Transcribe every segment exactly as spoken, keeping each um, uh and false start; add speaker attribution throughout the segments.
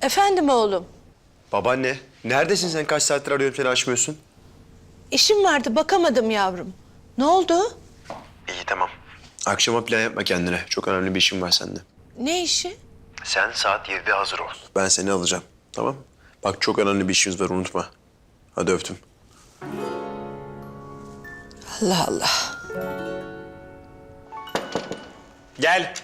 Speaker 1: Efendim oğlum.
Speaker 2: Babaanne, neredesin sen? Kaç saattir arıyorum seni, açmıyorsun.
Speaker 1: İşim vardı, bakamadım yavrum. Ne oldu?
Speaker 2: İyi, tamam. Akşama plan yapma kendine. Çok önemli bir işim var sende.
Speaker 1: Ne işi?
Speaker 2: Sen saat yedide hazır ol. Ben seni alacağım, tamam? Bak, çok önemli bir işimiz var, unutma. Hadi öptüm.
Speaker 1: Allah Allah.
Speaker 2: Gel.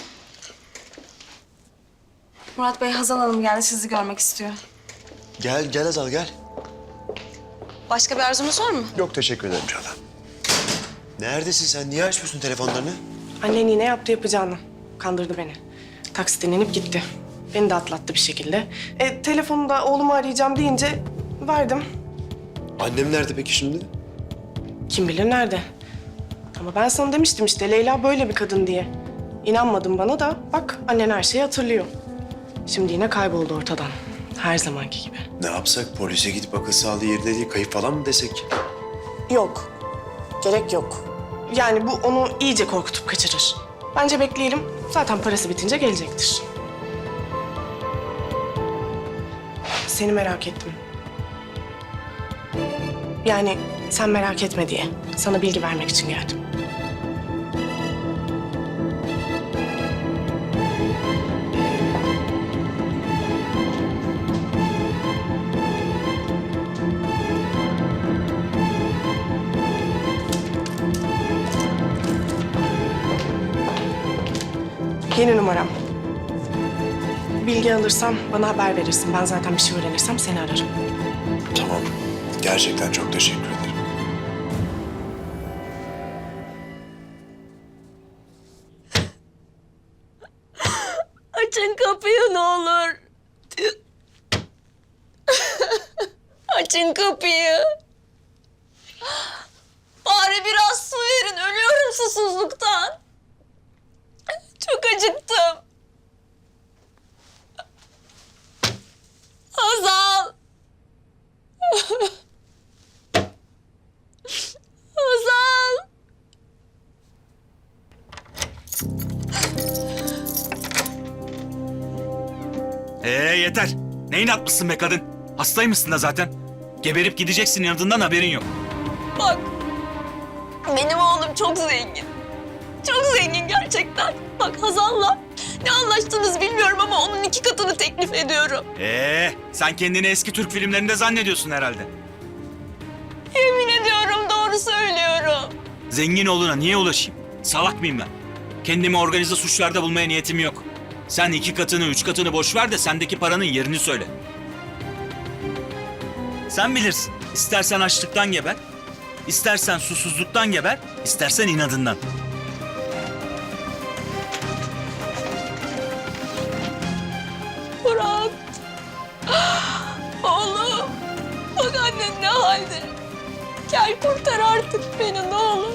Speaker 3: Murat Bey, Hazal Hanım geldi, sizi görmek istiyor.
Speaker 2: Gel, gel Azal, gel.
Speaker 3: Başka bir arzunuz var mı?
Speaker 2: Yok, teşekkür ederim Çağla. Neredesin sen? Niye açmıyorsun telefonlarını?
Speaker 4: Annen yine yaptı yapacağını. Kandırdı beni. Taksiden inip gitti. Beni de atlattı bir şekilde. E, telefonu da oğlumu arayacağım deyince verdim.
Speaker 2: Annem nerede peki şimdi?
Speaker 4: Kim bilir nerede. Ama ben sana demiştim işte Leyla böyle bir kadın diye. İnanmadın bana da bak annen her şeyi hatırlıyor. Şimdi yine kayboldu ortadan. Her zamanki gibi.
Speaker 2: Ne yapsak? Polise gidip akıl sağlığı yerinde değil, kayıp falan mı desek?
Speaker 4: Yok. Gerek yok. Yani bu onu iyice korkutup kaçırır. Bence bekleyelim. Zaten parası bitince gelecektir. Seni merak ettim. Yani sen merak etme diye. Sana bilgi vermek için geldim. Yeni numaram. Bilgi alırsam bana haber verirsin. Ben zaten bir şey öğrenirsem seni ararım.
Speaker 2: Tamam. Gerçekten çok teşekkür ederim.
Speaker 1: Açın kapıyı ne olur. Açın kapıyı. Bari biraz su verin. Ölüyorum susuzluktan. Çok acıktım. Hazal. Hazal.
Speaker 5: Ee yeter. Ne inatmışsın be kadın? Hastaymışsın da zaten. Geberip gideceksin, yanından haberin yok.
Speaker 1: Bak. Benim oğlum çok zengin. Çok zengin gerçekten. Bak Hazal'la ne anlaştınız bilmiyorum ama onun iki katını teklif ediyorum.
Speaker 5: Ee, sen kendini eski Türk filmlerinde zannediyorsun herhalde.
Speaker 1: Yemin ediyorum doğru söylüyorum.
Speaker 5: Zengin oluna niye ulaşayım? Salak mıyım ben? Kendimi organize suçlarda bulmaya niyetim yok. Sen iki katını, üç katını boş ver de sendeki paranın yerini söyle. Sen bilirsin. İstersen açlıktan geber, istersen susuzluktan geber, istersen inadından.
Speaker 1: Murat. Oğlum. Bak annen ne halde. Gel kurtar artık beni ne olur.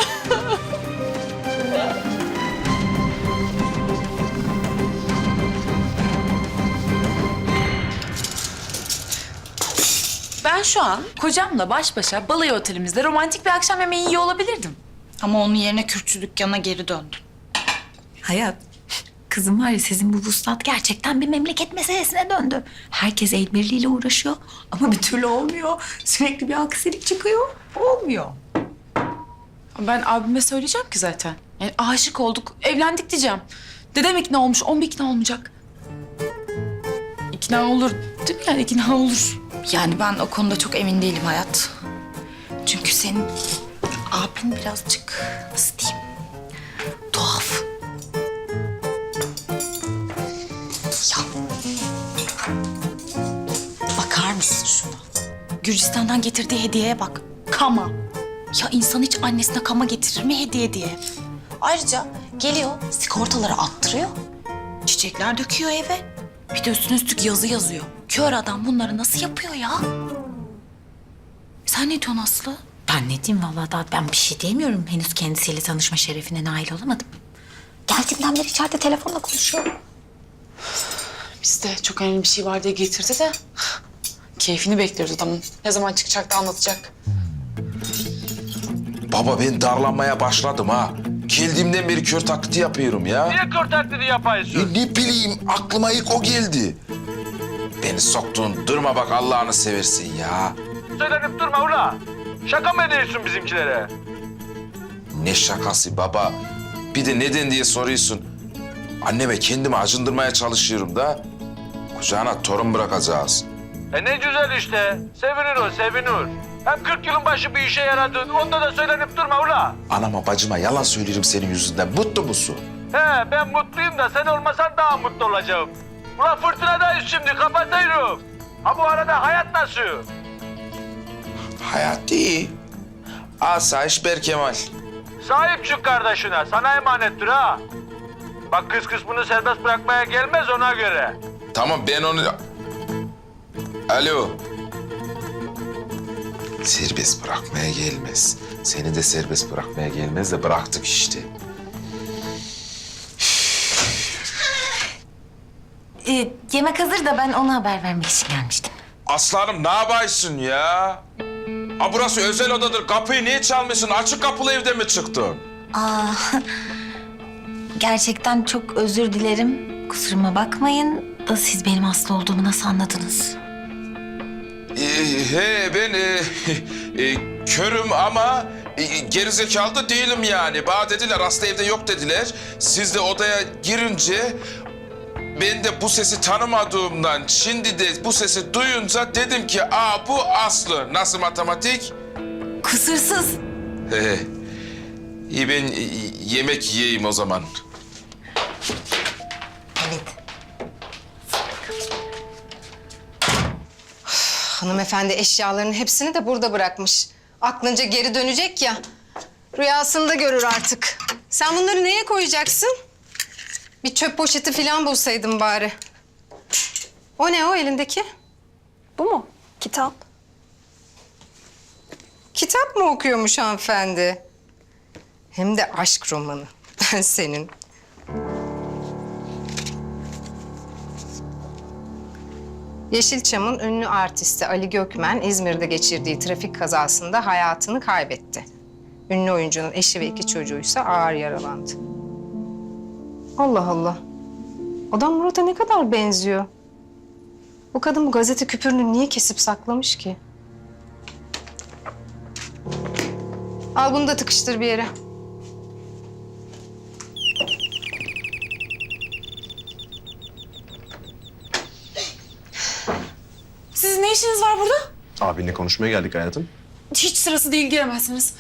Speaker 6: Ben şu an kocamla baş başa balayı otelimizde romantik bir akşam yemeği yiyor olabilirdim. Ama onun yerine kürkçü dükkanına geri döndüm.
Speaker 7: Hayat, kızım var ya sizin bu vuslat gerçekten bir memleket meselesine döndü. Herkes el birliğiyle uğraşıyor ama bir türlü olmuyor. Sürekli bir aksilik çıkıyor, olmuyor.
Speaker 6: Ben abime söyleyeceğim ki zaten. Yani aşık olduk, evlendik diyeceğim. Dedem ikna olmuş, on bir ikna olmayacak. İkna olur değil mi yani? İkna olur.
Speaker 7: Yani ben o konuda çok emin değilim Hayat. Çünkü senin abin birazcık nasıl diyeyim, tuhaf. Ya. Bakar mısın şuna? Gürcistan'dan getirdiği hediyeye bak. Kama. Ya insan hiç annesine kama getirir mi hediye diye? Ayrıca geliyor sigortaları attırıyor. Çiçekler döküyor eve. Bir de üstüne üstlük yazı yazıyor. Kör adam bunları nasıl yapıyor ya? Sen ne diyorsun Aslı? Ben ne diyeyim vallahi daha ben bir şey diyemiyorum. Henüz kendisiyle tanışma şerefine nail olamadım. Geldiğimden beri içeride telefonla konuşuyorum.
Speaker 6: Biz de çok önemli bir şey var diye getirdi de... Keyfini bekliyoruz adamın. Ne zaman çıkacak da anlatacak.
Speaker 8: Baba ben darlanmaya başladım ha. Geldiğimden beri kör taklidi yapıyorum ya.
Speaker 9: Niye kör taklidi yapıyorsun?
Speaker 8: E, ne bileyim aklıma ilk o geldi. beni soktuğun durma bak Allah'ını seversin ya.
Speaker 9: Söylenip durma ula. Şaka mı ediyorsun bizimkilere?
Speaker 8: Ne şakası baba? Bir de neden diye soruyorsun. Anneme kendimi acındırmaya çalışıyorum da. Kucağına torun bırakacağız.
Speaker 9: E ne güzel işte. Sevinir o, sevinir. Hem kırk yılın başı bir işe yaradın. Onda da söylenip durma ula.
Speaker 8: Anama bacıma yalan söylerim senin yüzünden. Mutlu musun?
Speaker 9: He ben mutluyum da sen olmasan daha mutlu olacağım. Ula fırtınadayız şimdi kapatıyorum. Ha bu arada hayat nasıl?
Speaker 8: Hayat iyi. Asayiş Berkemal.
Speaker 9: Sahip çık kardeşine. Sana emanettir ha. Bak kız kısmını serbest bırakmaya gelmez ona göre.
Speaker 8: Tamam ben onu... Alo. Serbest bırakmaya gelmez. Seni de serbest bırakmaya gelmez de bıraktık işte.
Speaker 7: Ee, yemek hazır da ben ona haber vermek için gelmiştim.
Speaker 8: Aslanım ne yapıyorsun ya? Ha burası özel odadır. Kapıyı niye çalmışsın? Açık kapılı evde mi çıktın?
Speaker 7: Aa, gerçekten çok özür dilerim. Kusuruma bakmayın. Da siz benim hasta olduğumu nasıl anladınız?
Speaker 8: Ee, he ben e, e, körüm ama e, gerizekalı da değilim yani. Bana dediler hasta evde yok dediler. Siz de odaya girince ben de bu sesi tanımadığımdan şimdi de bu sesi duyunca dedim ki aa bu Aslı. Nasıl matematik?
Speaker 7: Kusursuz.
Speaker 8: He he. İyi ben e, yemek yiyeyim o zaman.
Speaker 7: Evet.
Speaker 10: Hanımefendi eşyalarının hepsini de burada bırakmış. Aklınca geri dönecek ya. Rüyasında görür artık. Sen bunları neye koyacaksın? Bir çöp poşeti falan bulsaydın bari. O ne o elindeki?
Speaker 3: Bu mu? Kitap.
Speaker 10: Kitap mı okuyormuş hanımefendi? Hem de aşk romanı. Ben senin. Yeşilçam'ın ünlü artisti Ali Gökmen İzmir'de geçirdiği trafik kazasında hayatını kaybetti. Ünlü oyuncunun eşi ve iki çocuğuysa ağır yaralandı. Allah Allah. Adam Murat'a ne kadar benziyor. Bu kadın bu gazete küpürünü niye kesip saklamış ki? Al bunu da tıkıştır bir yere.
Speaker 3: Sizin ne işiniz var burada?
Speaker 2: Abinle konuşmaya geldik hayatım.
Speaker 3: Hiç sırası değil, giremezsiniz.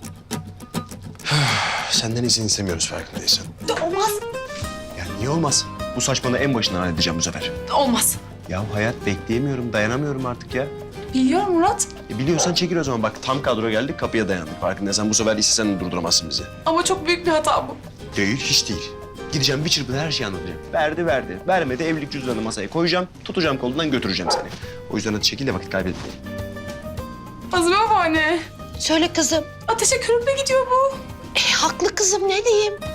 Speaker 2: Senden izin istemiyoruz farkındaysan.
Speaker 3: Olmaz.
Speaker 2: Ya niye olmaz? Bu saçmalığı en başından halledeceğim bu sefer.
Speaker 3: Olmaz.
Speaker 2: Ya hayat bekleyemiyorum, dayanamıyorum artık ya.
Speaker 3: Biliyorum Murat.
Speaker 2: E biliyorsan çekil o zaman. Bak tam kadro geldik, kapıya dayandık. Farkındaysan bu sefer istesen de durduramazsın bizi.
Speaker 3: Ama çok büyük bir hata bu.
Speaker 2: Değil, hiç değil. Gideceğim bir çırpıda her şeyi anlatacağım. Verdi verdi. Vermedi evlilik cüzdanını masaya koyacağım. Tutacağım kolundan götüreceğim seni. O yüzden hadi çekil de vakit kaybetmeyelim.
Speaker 3: Azmi babaanne.
Speaker 1: Söyle kızım.
Speaker 3: Ateşe körükle gidiyor bu.
Speaker 1: E, haklı kızım ne diyeyim?